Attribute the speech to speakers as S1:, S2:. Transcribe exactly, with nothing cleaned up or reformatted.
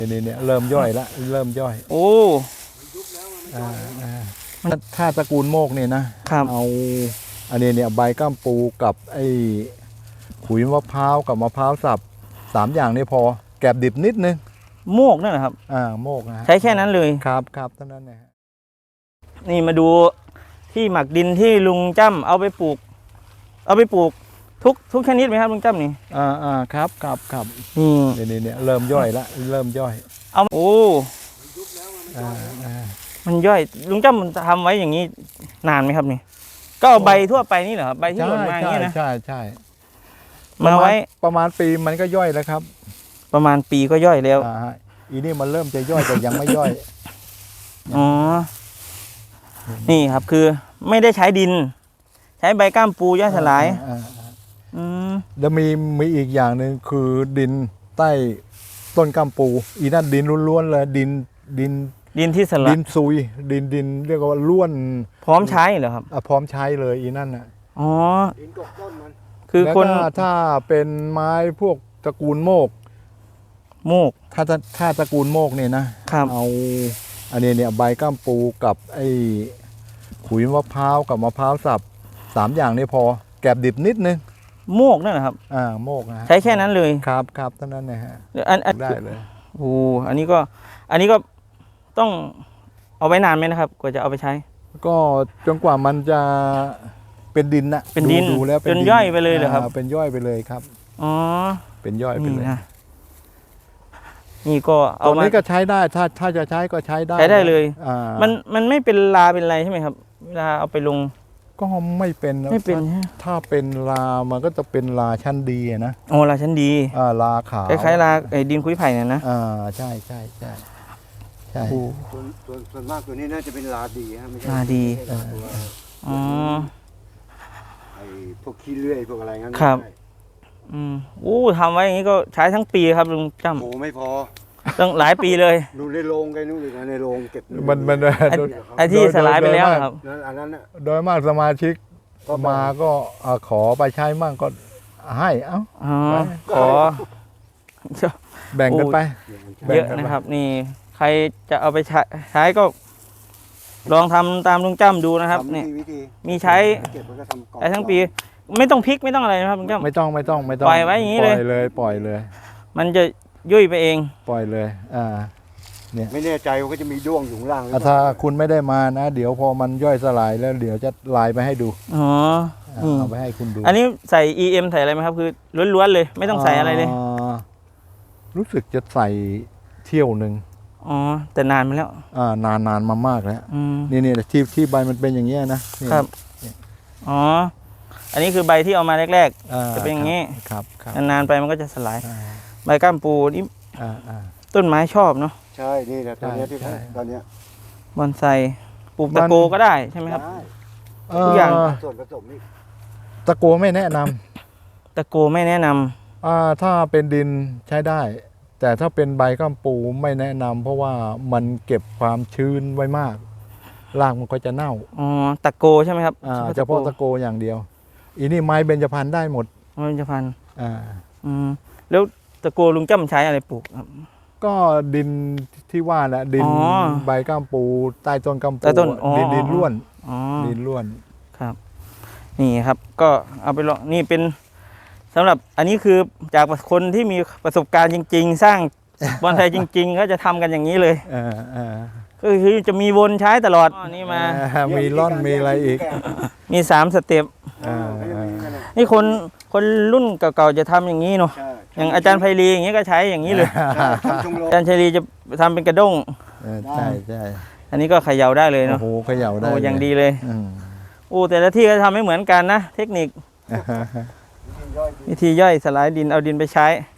S1: นี่เนี่ยเริ่มย่อยละเริ่มย่อย
S2: โอ้
S1: อ่าถ้าตระกูลโมกเนี่ยนะเอาอันนี้เนี่ยใบก้ามปูกับไอ้ขุยมะพร้าวกับมะพร้าวสับสามอย่างนี้พอแกบดิบนิดนึง
S2: โมกนั่นแหละครับ
S1: อ่าโมกนะ
S2: ใช้แค่นั้นเลย
S1: ครับครับเท่านั้นนะ
S2: นี่มาดูที่หมักดินที่ลุงจ้ำเอาไปปลูกเอาไปปลูกทุกทุกชนิดไหมครับลุงจ้ำนี่
S1: อ่าอ่าครับครับครับ
S2: นี่
S1: นี่เนี่ยเริ่มย่อยละเริ่มย่อย
S2: เอาโอ้
S1: อ่าอ่า
S2: มันย่อยลุงจ้ำมันทำไว้อย่างนี้นานไหมครับนี่ก็เอาใบทั่วไปนี่เหรอครับใบที่หล่นมาอย่างนี้นะ
S1: ใช่ใช่
S2: มาไว้
S1: ประมาณปีมันก็ย่อยแล้วครับ
S2: ประมาณปีก็ย่อยแล้ว
S1: อ่าอีนี่มันเริ่มจะย่อยแต่ยังไม่ย่อย
S2: อ๋อนี่ครับคือไม่ได้ใช้ดินใช้ใบก้ามปูย่อยสลายอืม
S1: แล้วมีมีอีกอย่างหนึ่งคือดินใต้ต้นก้ามปูอีนั่นดินล้วนๆเลยดินดิน
S2: ดินที่สลาย
S1: ดินซุยดินดินเรียกว่าล้วน
S2: พร้อมใช้เหรอครับ
S1: อ่ะพร้อมใช้เลยอีนั่นน่ะ
S2: อ๋อ
S1: ดินกบต้นมัน
S2: คือคน
S1: ถ้าเป็นไม้พวกตระกูลโมก
S2: โมก
S1: ถ้าถ้าตระกูลโมกเนี่ยนะเอาอันนี้เนี่ยใบก้ามปูกับไอ้ขุยมะพร้าวกับมะพร้าวสับสามอย่างนี้พอแกบดิบนิดนึง
S2: โมกนั่นแหละครับ
S1: อ่าโมกนะ
S2: ใช้แค่นั้นเลย
S1: ครับครับเท่านั้นนะฮะ
S2: อันอัน
S1: ได้เลย
S2: โอ้อันนี้ก็อันนี้ก็ต้องเอาไว้นานไหมนะครับกว่าจะเอาไปใช้
S1: ก็จนกว่ามันจะเป็นดินนะ
S2: เป็นดิน
S1: ดูแล้ว
S2: จนย่อยไปเลยเหรอครับ
S1: เป็นย่อยไปเลยครับ
S2: อ๋อ
S1: เป็นย่อยไปเลย
S2: นี่ก็เอา
S1: ตรงนี้ก็ใช้ได้ถ้าถ้าจะใช้ก็ใช้ได้
S2: ใช้ได้เลย
S1: อ่า
S2: มันมันไม่เป็นลาเป็นอะไรใช่ไหมครับเวลาเอาไปลง
S1: ก็ไม่เป็น
S2: ไม่เป็น
S1: ถ้าเป็นลามันก็จะเป็นลาชั้นดีนะ
S2: โอ้ลาชั้นดี
S1: อ่าลาขาว
S2: คล้ายๆลาไอ้ดินคุยไผ่เนี่ยนะ
S1: อ่าใช่ใช่ใช่ใช่
S3: ส่วนส่วนมากตัวนี้น่าจะเป็นลาดีฮะไม่ใช่
S2: ลาดีอ๋อ
S3: ไอ้พวกขี้เลื่อยพวกอะไรงั้น
S2: ครับอืมโอ้ทำไว้อย่างนี้ก็ใช้ทั้งปีครับลุงจ้ำ
S3: โอ้ไม่พอ
S2: ตั้งหลายปีเลย
S3: ดูในโรงไงนู่นเลยในโรงเก็บ
S1: มันมัน
S2: ไอ้ที่สลายไปแล้วครับ
S3: อันนั้น
S1: โดยมากสมาชิกมาก็ขอไปใช้มั่งก็ให้เอ้า
S2: ขอ
S1: แบ่งกันไป
S2: เยอะนะครับนี่ใครจะเอาไปใช้ใช้ก็ลองทำตามลุงจ้ำดูนะครับนี่มีใช้ใช้ทั้งปีไม่ต้องพลิกไม่ต้องอะไรนะครับลุงจ้ำ
S1: ไม่ต้องไม่ต้องไม่ต้อง
S2: ปล่อยไว้อย่างนี้เลย
S1: ปล่อยเลยปล่อยเลย
S2: มันจะยุ่ยไปเอง
S1: ปล่อยเลยอ่า
S3: เนี่ยไม่แน่ใจว่าก็จะมีด้วงอยู่ล่าง
S1: ถ้าคุณไม่ได้มานะเดี๋ยวพอมันย่อยสลายแล้วเดี๋ยวจะลายไปให้ดู
S2: อ๋อ
S1: เอาไปให้คุณดู
S2: อันนี้ใส่ อี เอ็ม ใส่อะไรไหมครับคือล้วนๆเลยไม่ต้องใส่อะไรเลย
S1: รู้สึกจะใส่เที่ยวหนึ่ง
S2: อ๋อแต่นานมาแล้ว
S1: อ่านานนานมามากแล้วนี่นี่ที่ที่ใบมันเป็นอย่างเงี้ยนะครับ
S2: อ๋ออันนี้คือใบที่เอามาแรกๆจะเป็นอย่างนี้
S1: ครับ
S2: นานๆไปมันก็จะสลายใบก้ามปูนี่ต้นไม้ชอบเนาะ
S3: ใช่นี่แหละตอนนี้ที่ตอนนี้
S2: บอนไซปลูกตะโกก็ได้ใช่ไหมครับทุกอย่าง
S3: ส่วนผสมนี่
S1: ตะโกไม่แนะน
S2: ำตะโกไม่แนะน
S1: ำอ่าถ้าเป็นดินใช้ได้แต่ถ้าเป็นใบก้ามปูไม่แนะนำเพราะว่ามันเก็บความชื้นไว้มากรากมันก็จะเน่า
S2: อ๋อตะโกใช่ไหมครับ
S1: อ่าเฉพาะตะโกอย่างเดียวอีนี่ไม้เบญจพรรณได้หมด
S2: เบญจพรรณ
S1: อ่า
S2: อืมแล้วตะโกลุงจ้ำใช้อะไรปลูกครับ
S1: ก็ดินที่ว่าแหละดินใบก้ามปูใต้ต้นก้ามปูดินดินล้วนดินล้วน
S2: ครับนี่ครับก็เอาไปลองนี่เป็นสำหรับอันนี้คือจากคนที่มีประสบการณ์จริงๆสร้างบอนไซจริงๆเขาจะทำกันอย่างนี้เลยก็คือจะมีวนใช้ตลอดนี่มา
S1: มีร่อนมีอะไรอีก
S2: มีสามสเต็ปนี่คนคนรุ่นเก่าๆจะทำอย่างนี้เนาะอย่างอาจารย์ไพรีอย่างนี้ก็ใช้อย่างนี้เลยอาจารย์ไพรีจะทำเป็นกระด้ง
S1: ใช่ใช่
S2: อันนี้ก็เขย่าได้เลยเนาะ
S1: โอ้โหเขย่าได้
S2: โอ้อย่างดีเลยโอ้แต่ละที่ก็ทำไม่เหมือนกันนะเทคนิควิธีย่อยสลายดินเอาดินไปใช้